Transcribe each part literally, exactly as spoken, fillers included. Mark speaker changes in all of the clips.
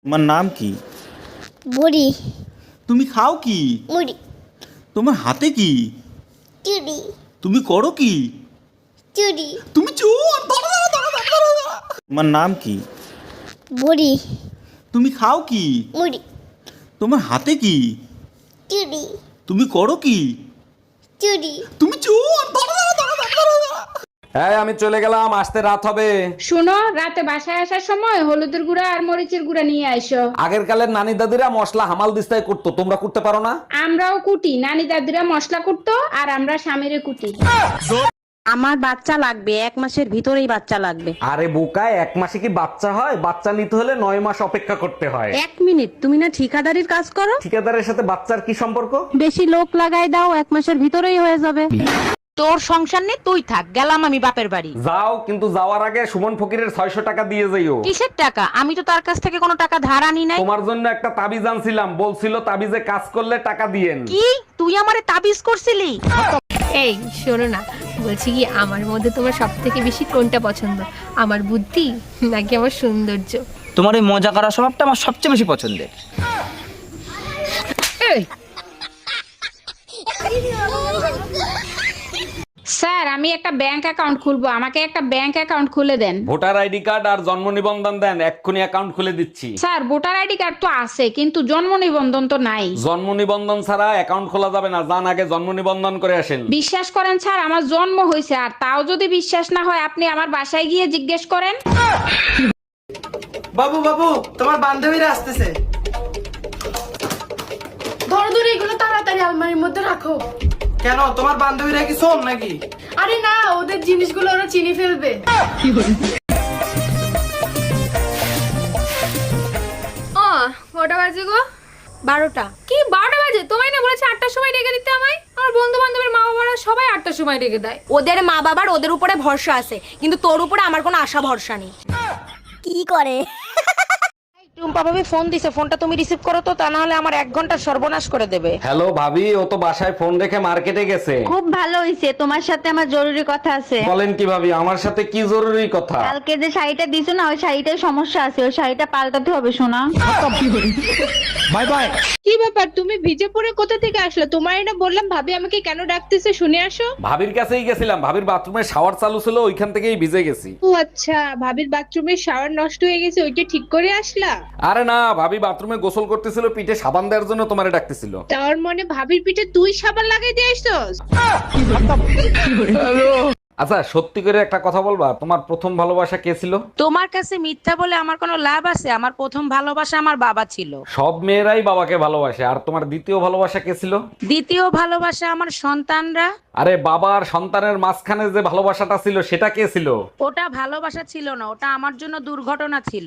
Speaker 1: তোমার নাম কি?
Speaker 2: বুড়ি।
Speaker 1: তুমি খাও কি?
Speaker 2: মুড়ি।
Speaker 1: তোমার হাতে কি?
Speaker 2: চুড়ি।
Speaker 1: তুমি করো কি?
Speaker 2: চুড়ি।
Speaker 1: তুমি চোর! ধরো, ধরো, ধরো, ধরো, ধরো, ধরো। তোমার নাম কি?
Speaker 2: বুড়ি।
Speaker 1: তুমি খাও কি?
Speaker 2: মুড়ি।
Speaker 1: তোমার হাতে কি?
Speaker 2: চুড়ি।
Speaker 1: তুমি করো কি?
Speaker 2: চুড়ি।
Speaker 1: তুমি চোর! ধরো, ধরো, ধরো, ধরো, ধরো, ধরো।
Speaker 3: হ্যাঁ আমি চলে গেলাম, আসতে রাত হবে।
Speaker 4: শোনো, রাতে বাসায় আসার সময় হলুদের গুঁড়া আর মরিচের গুঁড়া নিয়ে আইসো।
Speaker 3: আগের কালের নানি দাদিরা মশলা হামাল দিস্তায় করতো, তোমরা করতে পারো না?
Speaker 4: আমরাও কুটি, নানি দাদিরা মশলা কুটতো আর আমরা স্বামীরে কুটি।
Speaker 5: আমার বাচ্চা লাগবে, এক মাসের ভিতরেই বাচ্চা লাগবে।
Speaker 3: আরে বোকায়, এক মাসে কি বাচ্চা হয়? বাচ্চা নিতে হলে নয় মাস অপেক্ষা করতে হয়।
Speaker 5: এক মিনিট, তুমি না ঠিকাদারির কাজ করো?
Speaker 3: ঠিকাদারের সাথে বাচ্চার কি সম্পর্ক?
Speaker 5: বেশি লোক লাগাই দাও, এক মাসের ভিতরেই হয়ে যাবে।
Speaker 6: তোর সংসার নেই, তুই থাক, গেলাম আমি বাপের বাড়ি।
Speaker 3: যাও, কিন্তু যাওয়ার আগে সুমন ফকিরের ছয়শো টাকা দিয়ে যাইও।
Speaker 6: কিসের টাকা? আমি তো তার কাছ থেকে কোনো টাকা ধার আনি নাই।
Speaker 3: তোমার জন্য একটা তাবিজ আনছিলাম, বলছিল তাবিজে কাজ করলে টাকা দিয়েন।
Speaker 6: কি তুই আমারে তাবিজ করছিলি?
Speaker 7: এই শোনো না, বলছি কি আমার মধ্যে তোমার সব থেকে বেশি কোনটা পছন্দ, আমার বুদ্ধি নাকি আমার সৌন্দর্য?
Speaker 8: তোমার এই মজা করার স্বভাবটা আমার সবচেয়ে বেশি পছন্দের।
Speaker 4: স্যার, আমি একটা ব্যাংক অ্যাকাউন্ট খুলবো, আমাকে একটা ব্যাংক অ্যাকাউন্ট খুলে দেন।
Speaker 3: ভোটার আইডি কার্ড আর জন্ম নিবন্ধন দেন, এক্ষুনি অ্যাকাউন্ট খুলে দিচ্ছি।
Speaker 4: স্যার, ভোটার আইডি কার্ড তো আছে, কিন্তু জন্ম নিবন্ধন তো নাই।
Speaker 3: জন্ম নিবন্ধন ছাড়া অ্যাকাউন্ট খোলা যাবে না, যান আগে জন্ম নিবন্ধন করে আসেন।
Speaker 4: বিশ্বাস করেন স্যার, আমার জন্ম হয়েছে, আর তাও যদি বিশ্বাস না হয় আপনি আমার বাসায় গিয়ে জিজ্ঞেস করেন।
Speaker 9: বাবু বাবু, তোমার বান্ধবীরা আসতেছে।
Speaker 10: ধরো ধরো, এগুলো তাড়াতাড়ি আলমারির মধ্যে রাখো।
Speaker 9: কেন, তোমার বান্ধবীরা কি শোন নাকি?
Speaker 10: আরে না, ওদের জিনিসগুলো ওরা চিনি ফেলবে। ও কটা বাজে গো?
Speaker 7: বারোটা।
Speaker 10: কি বারোটা বাজে? তোমায় না বলেছে আটটার সময় ডেকে দিতে আমায়? আমার বন্ধু বান্ধবের মা বাবারা সবাই আটটার সময় ডেকে দেয়।
Speaker 6: ওদের মা বাবার ওদের উপরে ভরসা আছে, কিন্তু তোর উপরে আমার কোনো আশা ভরসা নেই।
Speaker 2: কি করে?
Speaker 6: টুম্পা ভাবি ফোন দিছে, ফোনটা তুমি রিসিভ করো তো, তা না হলে আমার এক ঘন্টা সর্বনাশ করে দেবে।
Speaker 3: হ্যালো ভাবি, ও তো বাসায় ফোন রেখে মার্কেটে গেছে।
Speaker 5: খুব ভালো হইছে, তোমার সাথে আমার জরুরি কথা আছে।
Speaker 3: বলেন কি ভাবি, আমার সাথে কি জরুরি কথা?
Speaker 5: কালকে যে শাড়িটা দিছো না, ওই শাড়িটার সমস্যা আছে, ওই শাড়িটা পাল্টাতে হবে শোনা।
Speaker 8: Bye bye.
Speaker 7: কি ব্যাপার, তুমি ভিজে পড়ে কোথা থেকে আসলে? তোমার না বললাম ভাবি আমাকে কেন ডাকতেছে, শুনে আসো।
Speaker 3: ভাবির কাছেই গেছিলাম, ভাবির বাথরুমে শাওয়ার চালু ছিল, ওইখান থেকেই ভিজে গেছি।
Speaker 7: ও আচ্ছা, ভাবির বাথরুমের শাওয়ার নষ্ট হয়ে গেছে, ওইটা ঠিক করে আসলা?
Speaker 3: আরে না, ভাবি বাথরুমে গোসল করতেছিল, পিঠে সাবান দেওয়ার জন্য তোমারে ডাকতেছিল।
Speaker 7: তার মানে ভাবির পিঠে তুই সাবান লাগাই দিয়ে আসছস?
Speaker 3: আচ্ছা সত্যি করে একটা কথা বলবা, তোমার প্রথম ভালোবাসা কে ছিল?
Speaker 6: তোমার কাছে মিথ্যা বলে আমার কোনো লাভ আছে? আমার প্রথম ভালোবাসা আমার বাবা ছিল।
Speaker 3: সব মেয়েরাই বাবাকে ভালোবাসে। আর তোমার দ্বিতীয় ভালোবাসা কে ছিল?
Speaker 6: দ্বিতীয় ভালোবাসা আমার সন্তানরা।
Speaker 3: আরে বাবা আর সন্তানের মাঝখানে যে ভালোবাসাটা ছিল সেটা কে ছিল?
Speaker 6: ওটা ভালোবাসা ছিল না, ওটা আমার জন্য দুর্ঘটনা ছিল।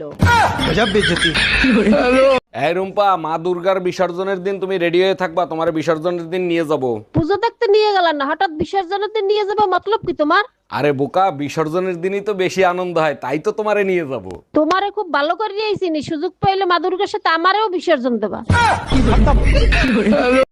Speaker 3: এই রুম্পা, মা দুর্গার বিসর্জনের দিন তুমি রেডি হয়ে থাকবা, তোমার বিসর্জনের দিন নিয়ে যাব।
Speaker 5: পুজো দেখতে নিয়ে গেলাম না, হঠাৎ বিসর্জনের দিন নিয়ে যাবো, মতলব কি তোমার?
Speaker 3: আরে বোকা, বিসর্জনের দিনই তো বেশি আনন্দ হয়, তাই তো তোমারে নিয়ে যাব।
Speaker 5: তোমারে খুব ভালো করে নিয়েছি, সুযোগ পাইলে মা দুর্গার সাথে আমারেও বিসর্জন দেবা।